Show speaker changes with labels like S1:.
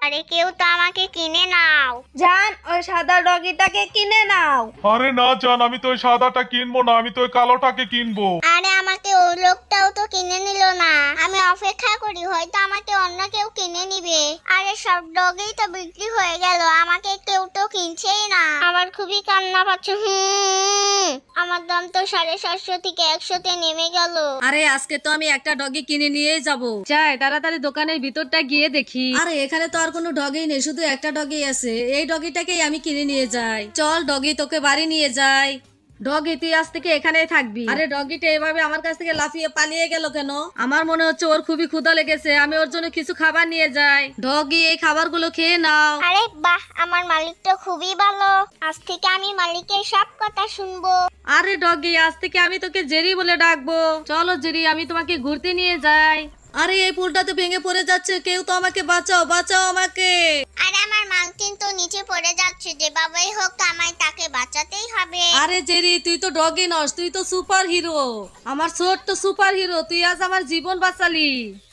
S1: আরে কেউ তো আমাকে কিনে নাও।
S2: জান, ওই সাদা ডগিটাকে কিনে নাও।
S3: আরে না জান, আমি তো ওই সাদাটা কিনবো না, আমি তো ওই কালোটাকে কিনবো।
S1: আরে আমাকে ওই লোকটাও তো কিনে নিল না। আমি অপেক্ষা করি, হয়তো আমাকে অন্য কেউ কিনে নিবে। আরে সব ডগই তো বিক্রি হয়ে গেল, আমাকে কেউ তো কিনছেই না। আমার খুবই কান্না পাচ্ছে। আমার দাম তো 750 থেকে 100-তে নেমে গেল।
S4: আরে আজকে তো আমি একটা ডগি কিনে নিয়েই যাব। যাই তাড়াতাড়ি দোকানের ভিতরটা গিয়ে দেখি। আরে এখানে তো আর কোনো ডগি নেই, শুধু একটা ডগি আছে। এই ডগিটাকেই আমি কিনে নিয়ে যাই। চল ডগি, তোকে বাড়ি নিয়ে যাই। ডগি, তুই আজ থেকে এখানেই থাকবি। আরে ডগিটা এভাবে আমার কাছ থেকে লাফিয়ে পালিয়ে গেল কেন? আমার মনে হচ্ছে ওর খুবই ক্ষুধা লেগেছে, আমি ওর জন্য কিছু খাবার নিয়ে যাই। ডগি, এই খাবারগুলো খেয়ে নাও।
S1: আরে বাহ, আমার মালিক তো খুবই ভালো। আজ থেকে আমি মালিকের সব কথা শুনবো।
S4: আরে ডগি, আজ থেকে আমি তোকে জেরি বলে ডাকবো। চলো জেরি, আমি তোমাকে ঘুরতে নিয়ে যাই। আরে এই পুলটা তো ভেঙে পড়ে যাচ্ছে, কেউ তো আমাকে বাঁচাও, বাঁচাও আমাকে।
S1: আরে আমার মালকিন তো নিচে পড়ে যাচ্ছে, যেভাবেই হোক আমায় তাকে বাঁচাতেই হবে।
S4: আরে জেরি, তুই তো ডগি নস, তুই তো সুপার হিরো। আমার ছোট্ট সুপার হিরো, তুই আজ আমার জীবন বাঁচালি।